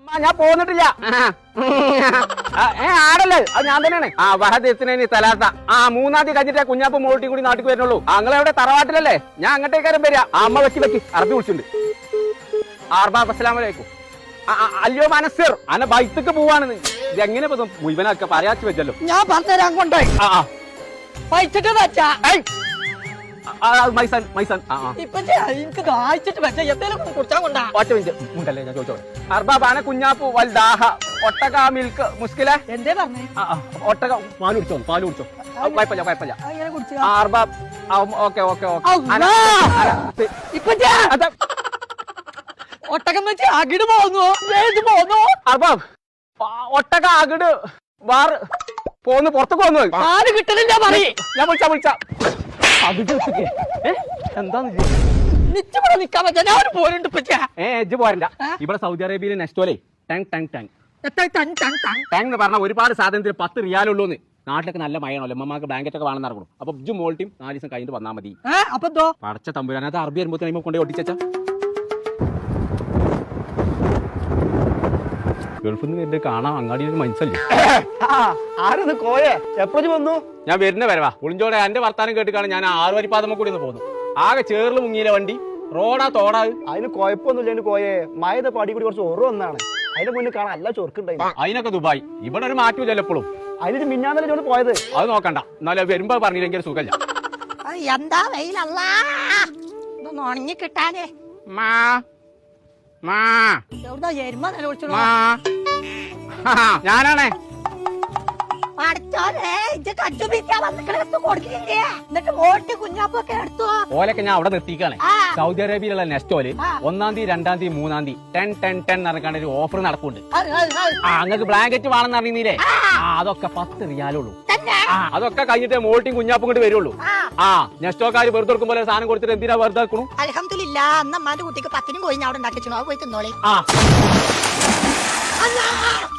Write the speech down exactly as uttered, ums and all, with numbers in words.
ഞാൻ പോന്നിട്ടില്ല. ഏ ആടല്ലേ അത് ഞാൻ തന്നെയാണ്. ആ വഹദത്തിന് തലാത്ത ആ മൂന്നാം തീയതി കഴിഞ്ഞിട്ട് കുഞ്ഞാപ്പ് മോൾട്ടി കൂടി നാട്ടിൽ വരുന്നുള്ളൂ. അങ്ങളെവിടെ തറവാട്ടിലല്ലേ? ഞാൻ അങ്ങോട്ടേക്കാരും വരിക. അമ്മ വെക്കി വെക്കി അറബി വിളിച്ചിട്ടുണ്ട്. ആർബാബ് അസ്സലാമലൈക്കും. അല്ലയോ മനസ്സിർ അന ബൈത്തേക്ക് പോവാണ്. ഇതെങ്ങനെ മുഴുവനൊക്കെ പറയാച്ചു വെച്ചല്ലോ. ഞാൻ പറഞ്ഞുതരാൻ കൊണ്ടോയി പൈച്ചിട്ട് വെച്ചാ മൈസാൻ മൈസാൻ ഇപ്പൊ എനിക്ക് ദാഹിച്ചിട്ട് വെച്ച എന്തെങ്കിലും കുടിച്ചാ കൊണ്ടാ. ഒറ്റ മിനിറ്റ് മുണ്ടല്ലേ ഞാൻ ചോദിച്ചോളെ. അർബാബാന കുഞ്ഞാപ്പു വൽദാഹ ഒട്ടക മിൽക്ക് മുസ്കിലെ എന്തേ പറഞ്ഞേ? ഒട്ടക പാല് കുടിച്ചോ പാല് കുടിച്ചോ കുഴപ്പമില്ല കുഴപ്പമില്ല. അങ്ങനെ കുടിച്ചാ അർബാബ് ഓക്കെ ഓക്കെ ഓക്കെ. ഇപ്പൊ ഒട്ടകം വെച്ച് അകിട് പോന്നു പോന്നു. അർബാബ് ഒട്ടക അകിട് വാറ് പോന്ന് പുറത്തേക്ക് വന്നു. പാല് കിട്ടണില്ല പറയ്. ഞാൻ വിളിച്ചാ വിളിച്ചാ എന്താന്ന് നിച്ചവിടെ നിക്കാൻ പറ്റാ. ഞാൻ പോരുണ്ട് ഏ എജ്ജ് പോരണ്ട. ഇവിടെ സൗദി അറേബ്യയിലെ നെസ്റ്റോലെ ടാങ് ടാങ് ടാങ് ടാങ് എന്ന് പറഞ്ഞാൽ ഒരുപാട് സാധനത്തിന് പത്ത് റിയാലുള്ളൂന്ന്. നാട്ടിലൊക്കെ നല്ല മഴയാണല്ലോ. അമ്മമാർക്ക് ബ്ലാങ്കറ്റ് ഒക്കെ വേണമെന്ന് ഇറങ്ങണം. അപ്പൊ ഇജ്ജ് മോൾട്ടിയും നാല് ദിവസം കഴിഞ്ഞിട്ട് വന്നാൽ മതി. അപ്പൊ എന്തോ പടച്ച തമ്പുരാൻ അത് അറബി വരുമ്പോ തന്നെ കൊണ്ടേ ഒട്ടിച്ചാ ഗൾഫിൽ നിന്ന് വരുന്നത് കാണാൻ അങ്ങാടിയിൽ മനസ്സല്ലേ. ആരത് കോയെ എപ്പോഴും വന്നു? ഞാൻ വരുന്ന വരവാ ഒളിഞ്ചോടെ എന്റെ വർത്താനം കേട്ടിക്കാണ് ഞാൻ ആറ് വരിപ്പാതമ്മ കൂടി ഒന്ന് പോകുന്നു. ആകെ ചേർന്ന് മുങ്ങിയില്ല വണ്ടി. റോഡാ തോടാ. അതിന് കുഴപ്പമൊന്നുമില്ല കോയെ. മഴ പാടി കൂടി കുറച്ച് ഓർവ് വന്നാണ്. അതിന്റെ മുന്നിൽ കാണാൻ എല്ലാ ചൊർക്കുണ്ടായി. അതിനൊക്കെ ദുബായ്. ഇവിടെ ഒരു മാറ്റം ചിലപ്പോഴും. അതിന് മിന്നാന്നല്ലേ ചോട് പോയത്. അത് നോക്കണ്ട. എന്നാലും വരുമ്പോ പറഞ്ഞില്ലെങ്കിൽ സുഖമില്ല. എന്താ വെയിലല്ല ഇതൊന്നും ഉണങ്ങി കിട്ടാനേ. എവിടുന്നാ എരുമ നില വിളിച്ചോ? ഞാനാണേ. ഓലൊക്കെ ഞാൻ അവിടെ നിർത്തിക്കാണ്. സൗദി അറേബ്യയിലുള്ള നെസ്റ്റോല് ഒന്നാം തീയതി രണ്ടാം തീയതി മൂന്നാം തീയതി ടെൻ ടെൻ ടെൻ നടക്കാണ്ട് ഒരു ഓഫർ നടക്കുന്നുണ്ട്. ആ അങ്ങക്ക് ബ്ലാങ്കറ്റ് വേണമെന്ന് അറിയുന്നില്ലേ? ആ അതൊക്കെ പത്ത് റിയാലുള്ളൂ. അതൊക്കെ കഴിഞ്ഞിട്ട് മോൾട്ടിയും കുഞ്ഞാപ്പും കൊണ്ട് വരുള്ളൂ. ആ നെസ്റ്റോക്കാര് വെറുതെ കൊടുക്കും പോലെ സാധനം കൊടുത്തിട്ട് എന്തിനാ വെറുതെ വെക്കണു? അൽഹംദുലില്ലാ അന്ന് അമ്മാന്റെ കുട്ടിക്ക് പത്തിനും കോഴി അവിടെ ഉണ്ടാക്കി പോയി തിന്നോളി. ആ